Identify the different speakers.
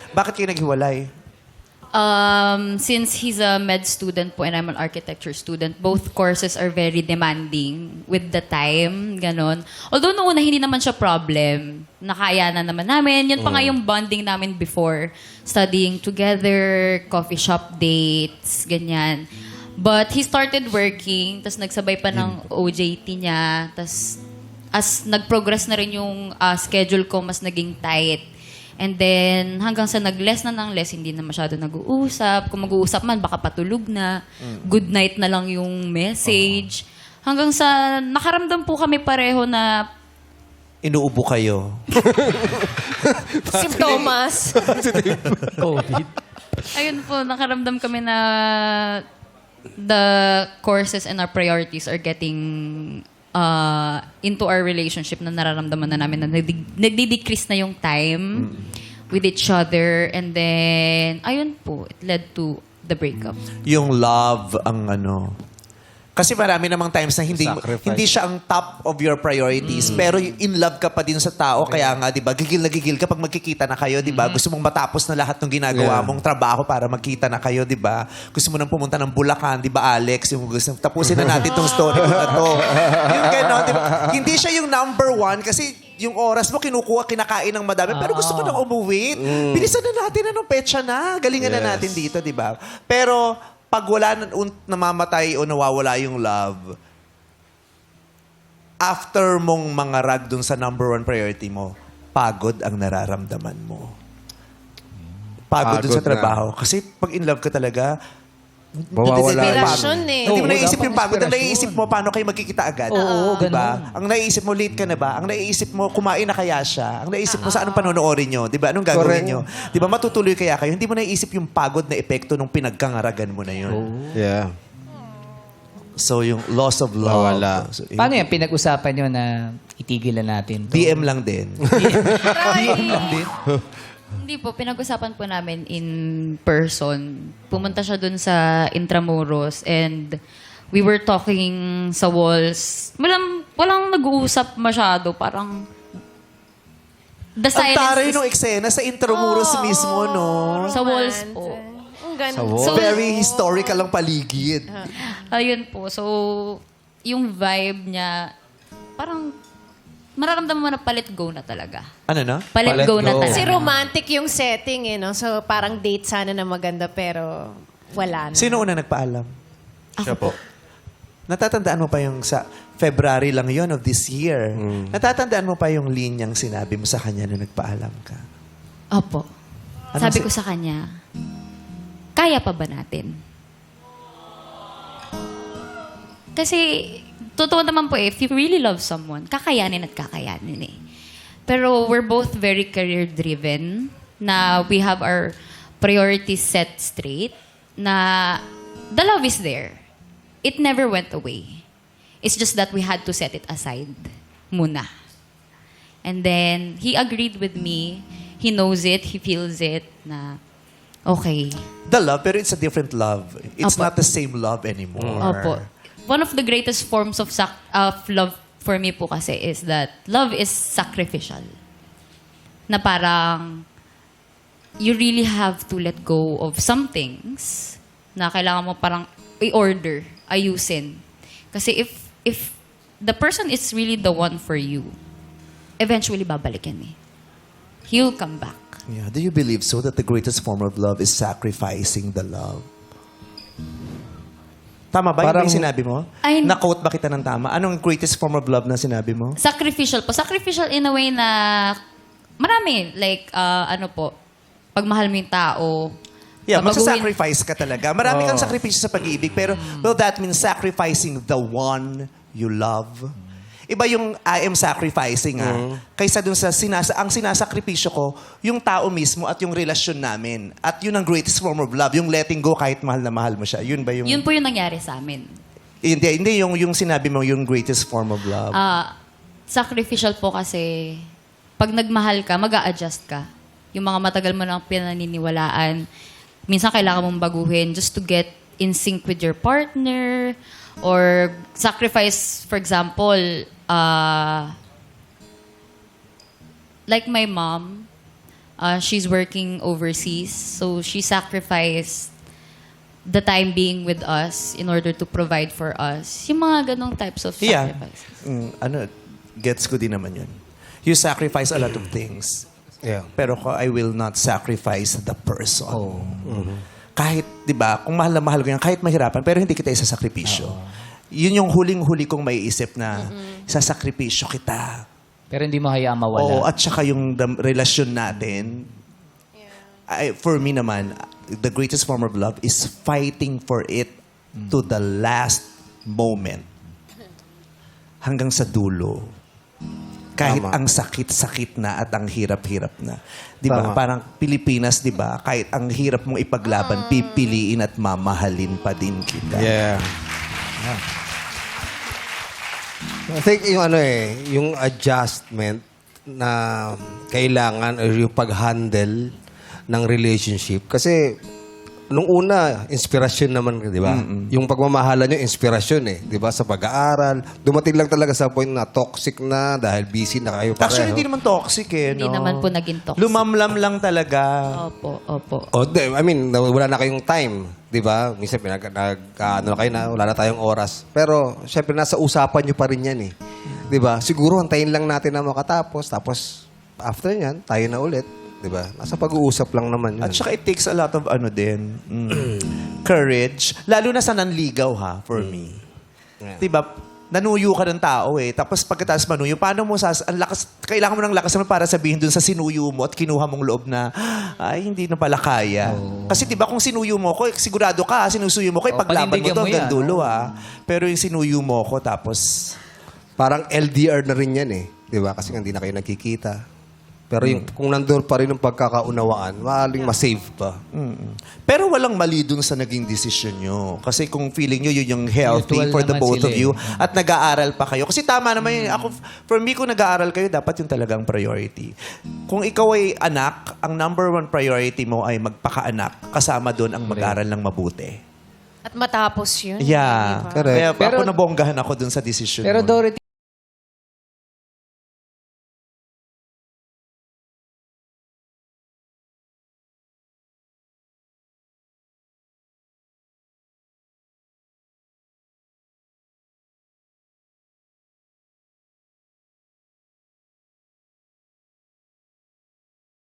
Speaker 1: Bakit kayo naghiwalay?
Speaker 2: Since he's a med student po and I'm an architecture student, both courses are very demanding with the time, ganon. Although noong una hindi naman siya problem, nakaya na naman namin. Yun pa nga yung bonding namin before, studying together, coffee shop dates, ganyan. But he started working, tas nagsabay pa ng OJT niya, tas as nag-progress na rin yung schedule ko, mas naging tight. And then, hanggang sa nag-less na ng less, hindi na masyado nag-uusap. Kung mag-uusap man, baka patulog na. Good night na lang yung message. Hanggang sa nakaramdam po kami pareho na
Speaker 1: Inuubo kayo.
Speaker 3: Simptomas.
Speaker 4: COVID.
Speaker 2: ayun po, nakaramdam kami na the courses and our priorities are getting into our relationship na nararamdaman na namin na nagdi-decrease na yung time with each other. And then, ayun po, it led to the breakup.
Speaker 1: Yung love ang ano. Kasi marami namang times na
Speaker 4: Sacrifice.
Speaker 1: hindi siya ang top of your priorities, pero in love ka pa din sa tao. Kaya nga, di ba, gigil na gigil kapag magkikita na kayo, di ba? Gusto mong matapos na lahat ng ginagawa mong trabaho para magkita na kayo, di ba? Gusto mo nang pumunta ng Bulacan, di ba, Alex? Yung gusto, tapusin na natin tong story ko na to. Yung gano'n, di ba? Hindi siya yung number one kasi yung oras mo kinukuha, kinakain ng madami. Pero gusto ko nang umuwi. Bilisan na natin, anong petsa na. Galingan na natin dito, di ba? Pero pag wala namamatay o nawawala yung love, after mong mangarag dun sa number one priority mo, pagod ang nararamdaman mo. Pagod dun sa
Speaker 4: Pagod na.
Speaker 1: trabaho. Kasi pag in love ka talaga,
Speaker 4: Mawawala.
Speaker 3: Inspirasyon eh.
Speaker 1: Hindi mo
Speaker 4: Oo,
Speaker 1: naiisip
Speaker 4: dapat
Speaker 1: yung pagod. Ang
Speaker 4: inspirasyon.
Speaker 1: naiisip mo, paano kayo magkikita agad.
Speaker 4: Oo,
Speaker 1: diba? Ang naiisip mo, late ka na ba? Ang naiisip mo, kumain na kaya siya? Ang naiisip mo, sa anong panonoorin nyo? Diba? Anong gagawin
Speaker 4: Correct.
Speaker 1: nyo? Diba? Matutuloy kaya kayo? Hindi mo naiisip yung pagod na epekto nung pinagkangaragan mo na yun.
Speaker 4: Yeah.
Speaker 1: So, yung loss of love.
Speaker 4: Nawala.
Speaker 1: So,
Speaker 5: Paano yan? Pinag-usapan nyo na itigil na natin to?
Speaker 1: DM lang din.
Speaker 2: Hindi po, pinag-usapan po namin in person. Pumunta siya dun sa Intramuros and we were talking sa walls. Walang nag-uusap masyado. Parang the
Speaker 1: Ang
Speaker 2: silence
Speaker 1: taray
Speaker 2: is
Speaker 1: nung eksena sa Intramuros mismo, no?
Speaker 2: sa walls po.
Speaker 3: Ang ganda.
Speaker 4: Sa wall.
Speaker 2: So,
Speaker 1: Very historical ang paligid.
Speaker 2: ayun po. So, yung vibe niya, parang mararamdaman mo na palit go na talaga.
Speaker 1: Ano na?
Speaker 2: Palit
Speaker 4: Palit
Speaker 2: go na
Speaker 4: go.
Speaker 2: talaga.
Speaker 3: Kasi romantic yung setting eh, no? So parang date sana na maganda pero wala na.
Speaker 1: Sino una nagpaalam?
Speaker 4: Siya po.
Speaker 1: Natatandaan mo pa yung sa February lang yon of this year. Natatandaan mo pa yung linyang sinabi mo sa kanya na nagpaalam ka.
Speaker 2: Opo.
Speaker 1: Anong
Speaker 2: Sabi
Speaker 1: si-
Speaker 2: ko sa kanya, kaya pa ba natin? Kasi, totoo naman po if you really love someone, kakayanin at kakayanin eh. Pero we're both very career-driven, na we have our priorities set straight, na the love is there. It never went away. It's just that we had to set it aside muna. And then, he agreed with me. He knows it, he feels it, na okay.
Speaker 1: The love, pero it's a different love. It's
Speaker 2: Opo.
Speaker 1: not the same love anymore.
Speaker 2: Opo. One of the greatest forms of love for me po kasi is that love is sacrificial. Na parang you really have to let go of some things na kailangan mo parang i-order, ayusin. Kasi if the person is really the one for you, eventually babalik yan eh. He'll come back.
Speaker 1: Yeah. Do you believe so that the greatest form of love is sacrificing the love? Tama ba?
Speaker 4: Parang-
Speaker 1: Yung sinabi mo?
Speaker 2: Ay-
Speaker 1: Na-quote ba kita ng tama? Anong greatest form of love na sinabi mo?
Speaker 2: Sacrificial po. Sacrificial in a way na marami. Like, ano po, pagmahal mo yung tao.
Speaker 1: Yeah,
Speaker 2: babaguhin-
Speaker 1: magsasacrifice ka talaga. Marami kang sakripisyo sa pag-ibig, pero will that mean sacrificing the one you love? Iba yung I am sacrificing kaysa dun sa ang sinasakripisyo ko, yung tao mismo at yung relasyon namin. At yun ang greatest form of love, yung letting go kahit mahal na mahal mo siya. Yun ba yung...
Speaker 2: Yun po yung nangyari sa amin.
Speaker 1: Hindi yung sinabi mo, yung greatest form of love.
Speaker 2: Sacrificial po kasi pag nagmahal ka, mag-a-adjust ka. Yung mga matagal mo nang pinaniniwalaan, minsan kailangan mong baguhin just to get in sync with your partner or sacrifice, for example, like my mom, She's working overseas. So she sacrificed the time being with us in order to provide for us. Yung mga ganong types of
Speaker 1: Yeah.
Speaker 2: sacrifices.
Speaker 1: Gets ko din naman yun. You sacrifice a lot of things.
Speaker 4: Yeah.
Speaker 1: Pero I will not sacrifice the person.
Speaker 5: Oh.
Speaker 1: Kahit, di ba, kung mahal na mahal ko yan, kahit mahirapan, pero hindi kita isasakripisyo. Yun yung huling-huli kong maiisip na isasakripisyo kita.
Speaker 5: Pero hindi mo hayaan mawala.
Speaker 1: Oo, at saka yung relasyon natin, for me naman, the greatest form of love is fighting for it to the last moment. Hanggang sa dulo. Kahit
Speaker 4: Tama.
Speaker 1: ang sakit-sakit na at ang hirap-hirap na. 'Di ba?
Speaker 4: Tama.
Speaker 1: Parang Pilipinas, 'di ba? Kahit ang hirap mong ipaglaban, pipiliin at mamahalin pa din kita.
Speaker 4: Yeah. I think yung adjustment na kailangan or yung pag-handle ng relationship. Kasi nung una, inspirasyon naman, di ba? Yung pagmamahalan nyo, inspirasyon di ba? Sa pag-aaral. Dumating lang talaga sa point na toxic na dahil busy na kayo pareho.
Speaker 1: Actually, hindi naman toxic
Speaker 2: Hindi
Speaker 1: no?
Speaker 2: naman po naging toxic.
Speaker 1: Lumamlam lang talaga.
Speaker 2: Opo.
Speaker 4: I mean, wala na kayong time, di ba? Minsan ano na kayo na, wala na tayong oras. Pero, syempre, nasa usapan nyo pa rin yan Di ba? Siguro, antayin lang natin na makatapos. Tapos, after yan, tayo na ulit. Di ba? Nasa pag-uusap lang naman yun.
Speaker 1: At saka it takes a lot of courage. Lalo na sa nanligaw for me.
Speaker 4: Yeah.
Speaker 1: Diba? Nanuyo ka ng tao Tapos pagkatapos manuyo, paano mo kailangan mo ng lakas naman para sabihin dun sa sinuyo mo at kinuha mong loob na, ay, hindi na pala kaya. Kasi diba kung sinuyo mo ko, sigurado ka, sinusuyo mo ko, paglaban mo
Speaker 5: panindigan
Speaker 1: to
Speaker 5: mo
Speaker 1: hanggang
Speaker 5: yan.
Speaker 1: dulo Pero yung sinuyo mo ko, tapos,
Speaker 4: Parang LDR na rin yan Di ba? Kasi hindi na kayo nagkikita. Pero yung, kung nandun pa rin ang pagkakaunawaan, maaling masave pa.
Speaker 1: pero walang mali dun sa naging desisyon nyo. Kasi kung feeling nyo yun yung healthy
Speaker 5: Mutual
Speaker 1: for the
Speaker 5: naman
Speaker 1: both
Speaker 5: sila
Speaker 1: of you at nag-aaral pa kayo. Kasi tama naman yun. Ako, for me, kung nag-aaral kayo, dapat yung talagang priority. Kung ikaw ay anak, ang number one priority mo ay magpakaanak. Kasama dun ang mag-aaral ng mabuti.
Speaker 3: At matapos yun.
Speaker 1: Yeah.
Speaker 3: di ba?
Speaker 4: Correct.
Speaker 1: Kaya
Speaker 5: Pero-
Speaker 1: ako nabonggahan ako dun sa desisyon
Speaker 5: Pero
Speaker 1: mo.
Speaker 5: Dorothy,